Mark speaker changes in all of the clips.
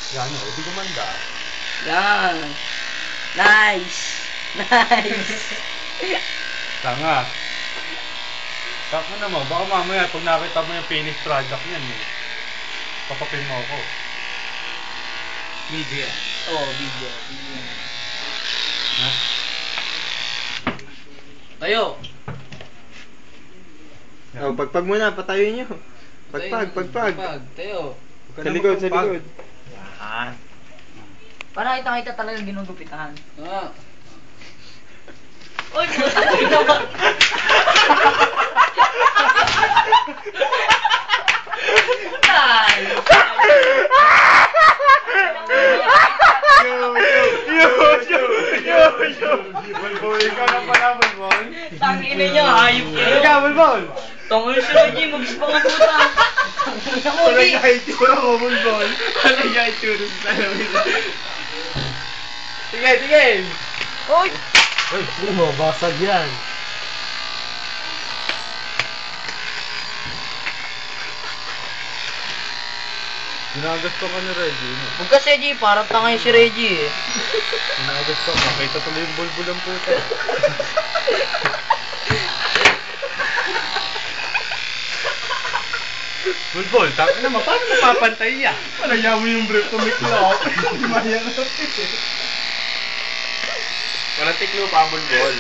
Speaker 1: Yan o, di gumanda.
Speaker 2: Yan. Nice. Nice.
Speaker 1: Tanga. Taka naman, baka mamaya pag nakita mo yung finished product niyan eh. Papapin mo ako.
Speaker 3: Video yan.
Speaker 2: Oo, video. Video.
Speaker 1: Ha?
Speaker 2: Tayo.
Speaker 4: Oh, pagpag muna, patayo nyo. Pagpag.
Speaker 2: Tayo.
Speaker 4: Sa likod, sa likod.
Speaker 1: Yan.
Speaker 2: Para kita talagang ginugupitan.
Speaker 3: Ah.
Speaker 2: Uy, puta naman. Nice.
Speaker 1: Bulbul, ikaw na pala, Bulbul.
Speaker 2: Tangina niyo, hayop kayo.
Speaker 1: Ikaw, Bulbul.
Speaker 2: Tangina si Reggie, magis pa nga puta. Tangina mo,
Speaker 1: Wala
Speaker 2: di.
Speaker 1: niya itsura mo, Bulbul.
Speaker 3: Wala niya itsura sa salamin.
Speaker 1: Sige.
Speaker 2: Uy.
Speaker 1: Uy, mo, basag yan. Ginagas ka ni Reggie, no?
Speaker 2: Huwag kasi, Reggie, parang tanga yung si Reggie eh.
Speaker 1: Ginagas ka, makita tuloy yung bulbul ang puta. Bulbul, tapos naman, paano mapapantay yan? Malaya mo yung brief to make lock. Maya na
Speaker 3: Walang tiklo pa ang bulbol.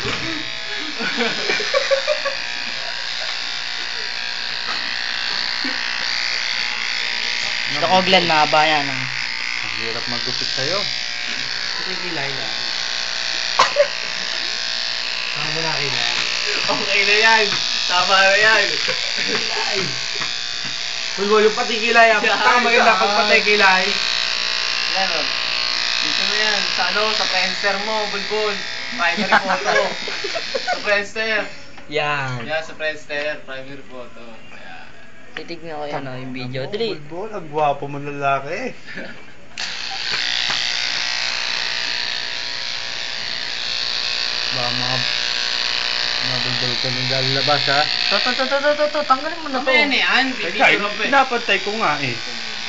Speaker 2: Ito ko, Glenn, mahaba yan. Ah.
Speaker 1: Ang hirap maggupit sa'yo.
Speaker 3: Kasi kilay lang. Tama mo na kilay. Okay na yan. Tama na yan. Kilay. Bulbol, yung pati kilay. Tama maganda pag patay kilay. Yan o. Dito mo yan. Sa ano, sa Friendster mo, Bulbol. Primary photo. Sa Friendster.
Speaker 2: Yan.
Speaker 3: Yan, sa Friendster. Primary photo. Yan.
Speaker 2: Titignan ko yan, oh, yung video. Dali.
Speaker 1: Bulbul, ang gwapo mo lalaki. Baka mga bulbul ka nang lalabas, ha?
Speaker 2: To. Tanggalin mo na to.
Speaker 3: Mamaya na yan.
Speaker 1: Teka,
Speaker 3: Pipicture up eh.
Speaker 1: pinapantay ko nga eh.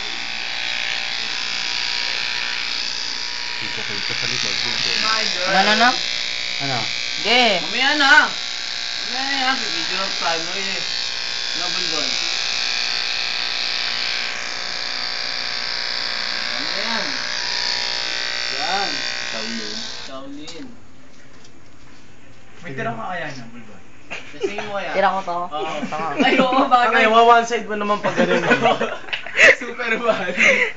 Speaker 1: Dito kayo sa likod, bulbul.
Speaker 3: My girl.
Speaker 2: Ano?
Speaker 1: Ano?
Speaker 2: Ge.
Speaker 3: Mamaya na. Mamaya na yan. Pipicture up primary eh. No, Bulbol. Ano yan? Yan. Shaolin.
Speaker 1: May tira ka
Speaker 3: kaya niya, Bulbol? Sisingin mo kaya?
Speaker 2: Tira ko to.
Speaker 3: Oo.
Speaker 2: Tanga.
Speaker 3: Ay, oo, bagay.
Speaker 4: one side mo naman pag ganun.
Speaker 3: Super bad.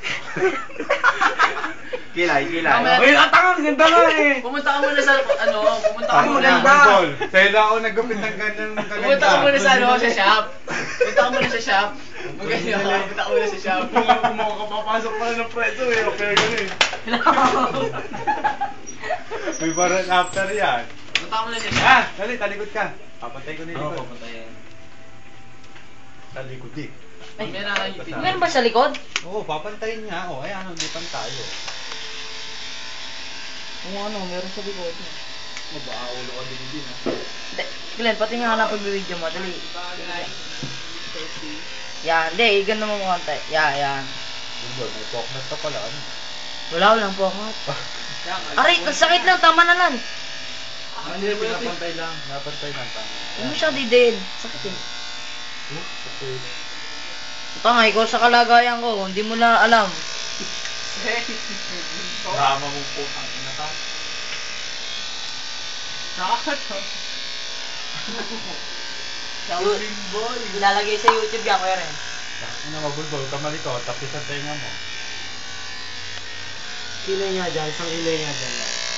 Speaker 4: Kilay.
Speaker 3: Mamaya-
Speaker 4: Uy, atang, ganda nga eh.
Speaker 3: Pumunta ka muna sa, pumunta ka
Speaker 4: Ang
Speaker 3: muna.
Speaker 4: maganda.
Speaker 1: Bulbul, sa'yo lang ako nagupit ng ganyan ng kaganda.
Speaker 3: Pumunta ka muna sa, sa shop. Pumunta ka muna sa shop. Maganda ka, pumunta ka muna sa shop.
Speaker 4: Kung makakapapasok pa ng preso eh. Okay, ganun eh.
Speaker 1: May baran after yan.
Speaker 3: Pumunta ka muna sa shop.
Speaker 1: Ah, dali, talikod ka. Papantay ko na yung
Speaker 3: Oo,
Speaker 1: likod.
Speaker 3: papatayin.
Speaker 1: Talikod eh.
Speaker 3: Mamaya na lang yung video.
Speaker 2: Meron ba sa likod?
Speaker 1: Oo, papantayin niya. O, ayan, ulipan tayo.
Speaker 2: Oo, ano, meron sa likod.
Speaker 3: Baka ulo ka din ha.
Speaker 2: Glenn, pati nga na pag-video mo. Dali. Yan, hindi. Ganda mo mga konti. Yan.
Speaker 1: Bulbul, may poknat ka pala. Ano?
Speaker 2: Walang po ako. Aray, ang sakit lang. Tama na lang.
Speaker 1: Hindi, pinapantay lang. Napantay lang.
Speaker 2: Huwag mo siya didin. Sakit eh. Tanga, ikaw sa kalagayan ko. Hindi mo na alam.
Speaker 1: Drama mong putang ina ka.
Speaker 3: Shaolin boy.
Speaker 2: Ilalagay sa YouTube yan, kuya rin.
Speaker 1: Ano mabulbul, kamali ko, tapos ang tenga mo.
Speaker 4: Kilay nga dyan, isang kilay nga dyan.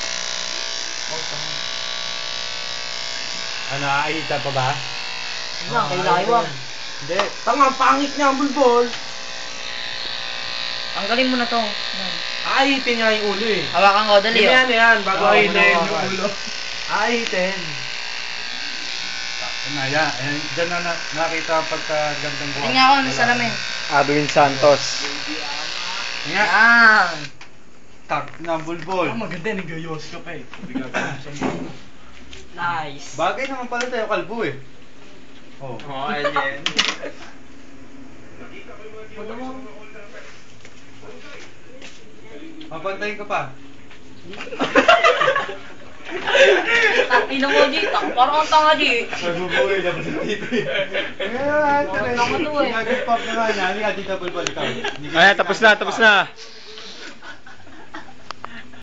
Speaker 1: Ano, aahita pa ba?
Speaker 2: Yan, kay Laiwang.
Speaker 1: Hindi.
Speaker 4: Tanga, pangit niya ang bulbol.
Speaker 2: Tanggalin mo na to. Yan.
Speaker 4: Ahitin nga yung ulo eh.
Speaker 2: Hawakan ko, dali.
Speaker 4: Yan, yan, bago
Speaker 1: Oo,
Speaker 4: ahitin
Speaker 1: muna
Speaker 4: yung
Speaker 1: hawakan.
Speaker 4: ulo. Ahitin.
Speaker 1: Ano, yan. Diyan na nakita ang pagkagandang buwan.
Speaker 2: Tingnan ako sa salamin.
Speaker 4: Adwin Santos.
Speaker 1: Nga.
Speaker 2: Yan.
Speaker 1: Tak na bulbul.
Speaker 4: maganda, nagayos ka pa eh.
Speaker 2: Nice.
Speaker 1: Bagay naman pala tayo kalbo eh. Oh.
Speaker 3: Oo, alien.
Speaker 1: Mapantayin ka pa.
Speaker 2: Ina mo, G. Parang ang tanga, G.
Speaker 1: Magbubuhay na ba sa tito eh.
Speaker 2: Tanga to eh.
Speaker 1: Nag-pop na nga niya. Halika, dito bulbul ikaw.
Speaker 4: Ayan, tapos na.